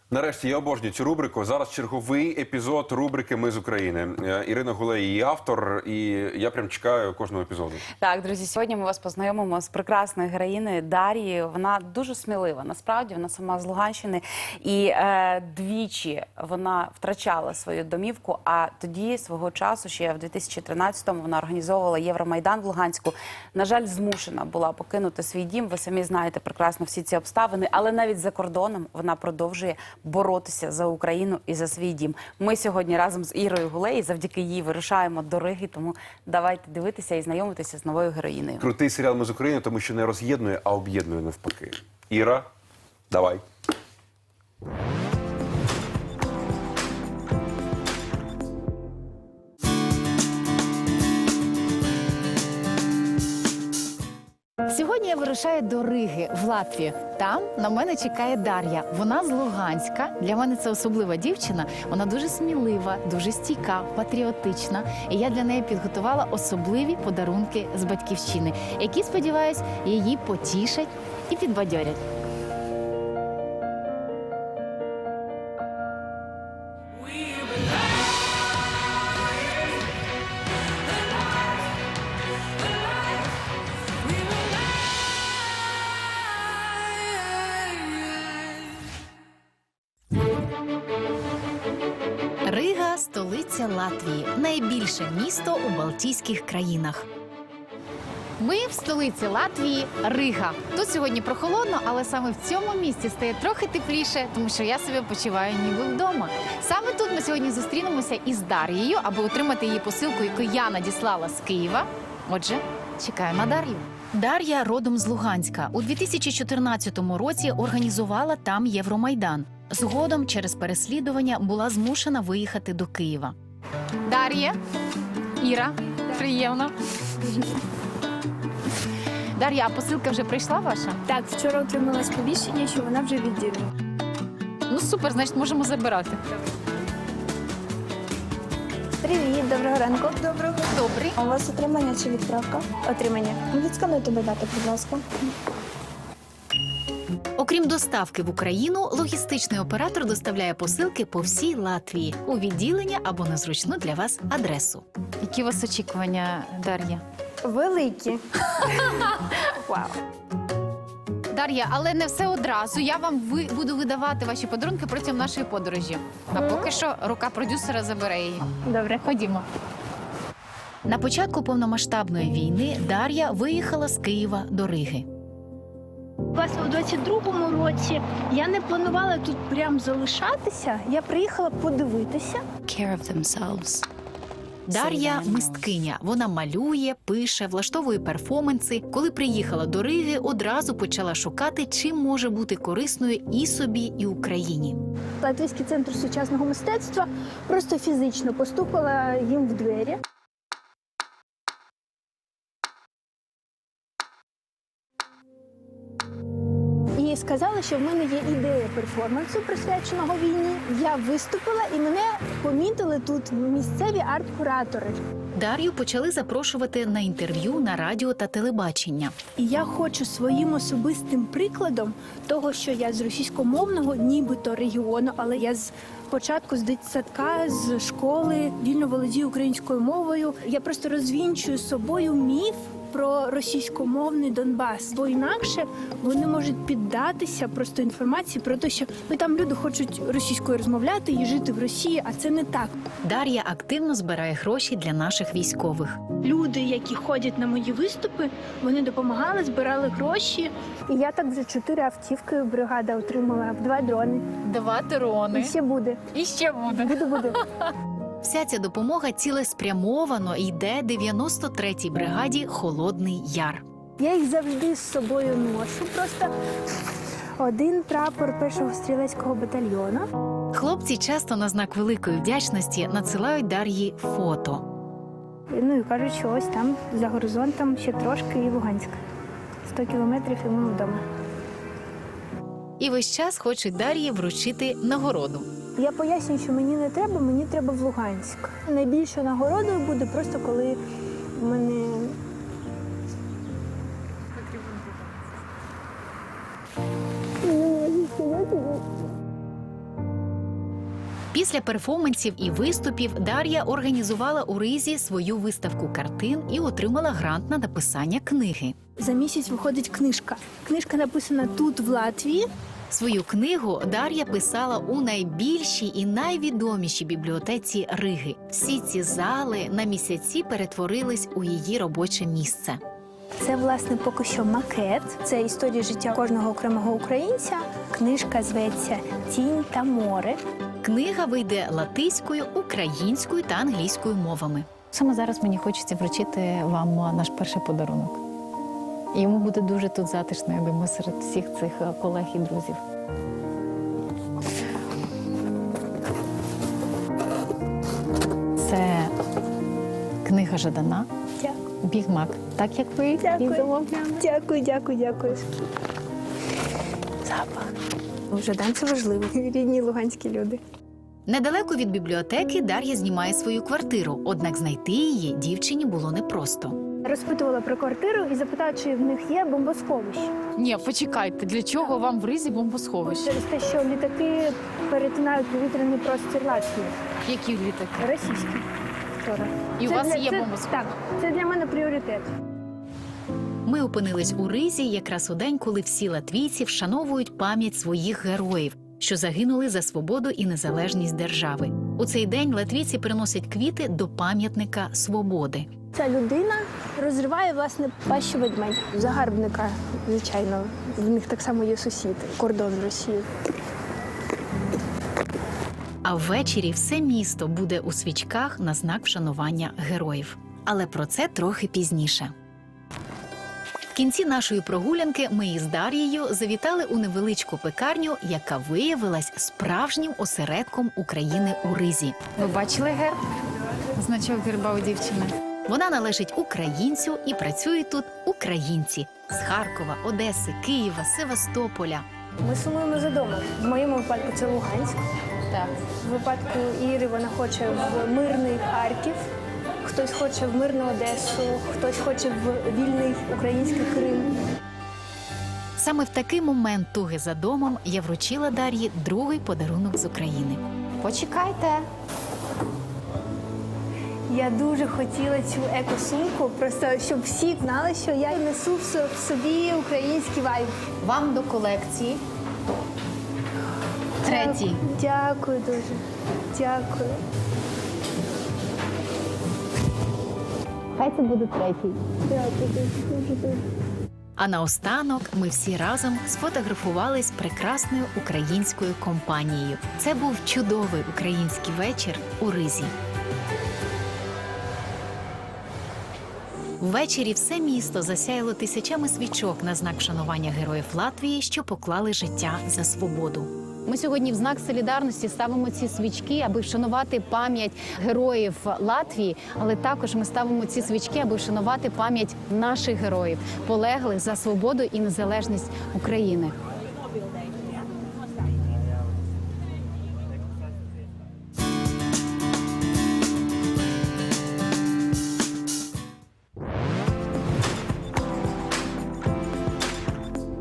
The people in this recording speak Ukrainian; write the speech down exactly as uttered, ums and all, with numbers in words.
Нарешті я обожнюю цю рубрику. Зараз черговий епізод рубрики «Ми з України». Ірина Гулей, її автор, і я прям чекаю кожного епізоду. Так, друзі, сьогодні ми вас познайомимо з прекрасною героїнею Дар'єю. Вона дуже смілива. Насправді, вона сама з Луганщини. І е, двічі вона втрачала свою домівку, а тоді, свого часу, ще в дві тисячі тринадцятому, вона організовувала Євромайдан в Луганську. На жаль, змушена була покинути свій дім. Ви самі знаєте прекрасно всі ці обставини. Але навіть за кордоном вона продовжує боротися за Україну і за свій дім. Ми сьогодні разом з Ірою Гулей, завдяки їй вирушаємо до Риги, тому давайте дивитися і знайомитися з новою героїнею. Крутий серіал «Ми з України», тому що не роз'єднує, а об'єднує навпаки. Іра, давай. Сьогодні я вирушаю до Риги, в Латвію. Там на мене чекає Дар'я. Вона з Луганська. Для мене це особлива дівчина. Вона дуже смілива, дуже стійка, патріотична. І я для неї підготувала особливі подарунки з батьківщини, які, сподіваюсь, її потішать і підбадьорять. Рига – столиця Латвії, найбільше місто у Балтійських країнах. Ми в столиці Латвії – Рига. Тут сьогодні прохолодно, але саме в цьому місці стає трохи тепліше, тому що я себе почуваю ніби вдома. Саме тут ми сьогодні зустрінемося із Дар'єю, аби отримати її посилку, яку я надіслала з Києва. Отже, чекаю на Дар'ю. Дар'я родом з Луганська. У дві тисячі чотирнадцятому році організувала там Євромайдан. Згодом через переслідування була змушена виїхати до Києва. Дар'я, Іра, приємно. Дар'я, а посилка вже прийшла ваша? Так, вчора отримала сповіщення, що вона вже відділена. Ну супер, значить можемо забирати. Привіт, доброго ранку. Доброго. Добрий. У вас отримання чи відправка? Отримання. Відскануйте додати, будь ласка. Окрім доставки в Україну, логістичний оператор доставляє посилки по всій Латвії у відділення або на зручну для вас адресу. Які у вас очікування, Дар'я? Великі. Вау. Дар'я, але не все одразу. Я вам ви... буду видавати ваші подарунки протягом нашої подорожі. А поки що рука продюсера забере її. Добре. Ходімо. На початку повномасштабної війни Дар'я виїхала з Києва до Риги. У двадцять другому році я не планувала тут прям залишатися. Я приїхала подивитися. Дар'я – мисткиня. Вона малює, пише, влаштовує перформанси. Коли приїхала до Риги, одразу почала шукати, чим може бути корисною і собі, і Україні. Латвійський центр сучасного мистецтва просто фізично постукала їм в двері. І сказали, що в мене є ідея перформансу, присвяченого війні. Я виступила і мене помітили тут місцеві арт-куратори. Дар'ю почали запрошувати на інтерв'ю на радіо та телебачення. І я хочу своїм особистим прикладом того, що я з російськомовного, нібито регіону, але я з початку з дитсадка, з школи вільно володію українською мовою. Я просто розвінчую з собою міф про російськомовний Донбас, бо інакше вони можуть піддатися просто інформації про те, що ну, там люди хочуть російською розмовляти і жити в Росії, а це не так. Дар'я активно збирає гроші для наших військових. Люди, які ходять на мої виступи, вони допомагали, збирали гроші. І я так вже чотири автівки бригада отримала, два дрони. Два дрони. І ще буде. І ще буде. Буде, буде. Вся ця допомога цілеспрямовано йде дев'яносто третій бригаді «Холодний Яр». Я їх завжди з собою ношу. Просто один прапор першого стрілецького батальйону. Хлопці часто на знак великої вдячності надсилають Дар'ї фото. Ну і кажуть, що ось там, за горизонтом, ще трошки і Луганськ. Сто кілометрів і ми вдома. І весь час хочуть Дар'ї вручити нагороду. Я пояснюю, що мені не треба, мені треба в Луганськ. Найбільшою нагородою буде просто, коли в мене Після перформансів і виступів Дар'я організувала у Ризі свою виставку картин і отримала грант на написання книги. За місяць виходить книжка. Книжка написана тут, в Латвії. Свою книгу Дар'я писала у найбільшій і найвідомішій бібліотеці Риги. Всі ці зали на місяці перетворились у її робоче місце. Це, власне, поки що макет. Це історія життя кожного окремого українця. Книжка зветься «Тінь та море». Книга вийде латиською, українською та англійською мовами. Саме зараз мені хочеться вручити вам наш перший подарунок. І йому буде дуже тут затишно, я думаю, серед всіх цих колег і друзів. Це книга Жадана. Дякую. Біг Мак. Так, як ви і Дякую. замовляли. Дякую, дякую, дякую. Запах. Жадан – це важливо. Рідні луганські люди. Недалеко від бібліотеки Дар'я знімає свою квартиру, однак знайти її дівчині було непросто. Розпитувала про квартиру і запитала, чи в них є бомбосховище. Ні, почекайте, для чого вам в Ризі бомбосховище? Через те, що літаки перетинають повітряний простір Латвії. Які літаки? Російські. Вчора. І у Це вас для- є це- бомбосховище? Так, це для мене пріоритет. Ми опинились у Ризі якраз у день, коли всі латвійці вшановують пам'ять своїх героїв, що загинули за свободу і незалежність держави. У цей день латвійці приносять квіти до пам'ятника свободи. Ця людина розриває, власне, пащу ведмедя. Загарбника, звичайно. В них так само є сусід, кордон з Росією. А ввечері все місто буде у свічках на знак вшанування героїв. Але про це трохи пізніше. В кінці нашої прогулянки ми із Дар'єю завітали у невеличку пекарню, яка виявилась справжнім осередком України у Ризі. Ви бачили герб? Значок герба у дівчини. Вона належить українцю і працюють тут українці з Харкова, Одеси, Києва, Севастополя. Ми сумуємо за домом. В моєму випадку це Луганськ. Так. В випадку Іри вона хоче в мирний Харків, хтось хоче в мирну Одесу, хтось хоче в вільний український Крим. Саме в такий момент туги за домом я вручила Дар'ї другий подарунок з України. Почекайте. Я дуже хотіла цю екосумку, просто щоб всі знали, що я й несу в со- в собі український вайб. Вам до колекції. Третій. Дякую дуже. Дякую. Хай це буде третій. Дякую дуже, дуже, дуже. А наостанок ми всі разом сфотографувались з прекрасною українською компанією. Це був чудовий український вечір у Ризі. Ввечері все місто засяяло тисячами свічок на знак вшанування героїв Латвії, що поклали життя за свободу. Ми сьогодні в знак солідарності ставимо ці свічки, аби вшанувати пам'ять героїв Латвії, але також ми ставимо ці свічки, аби вшанувати пам'ять наших героїв, полеглих за свободу і незалежність України.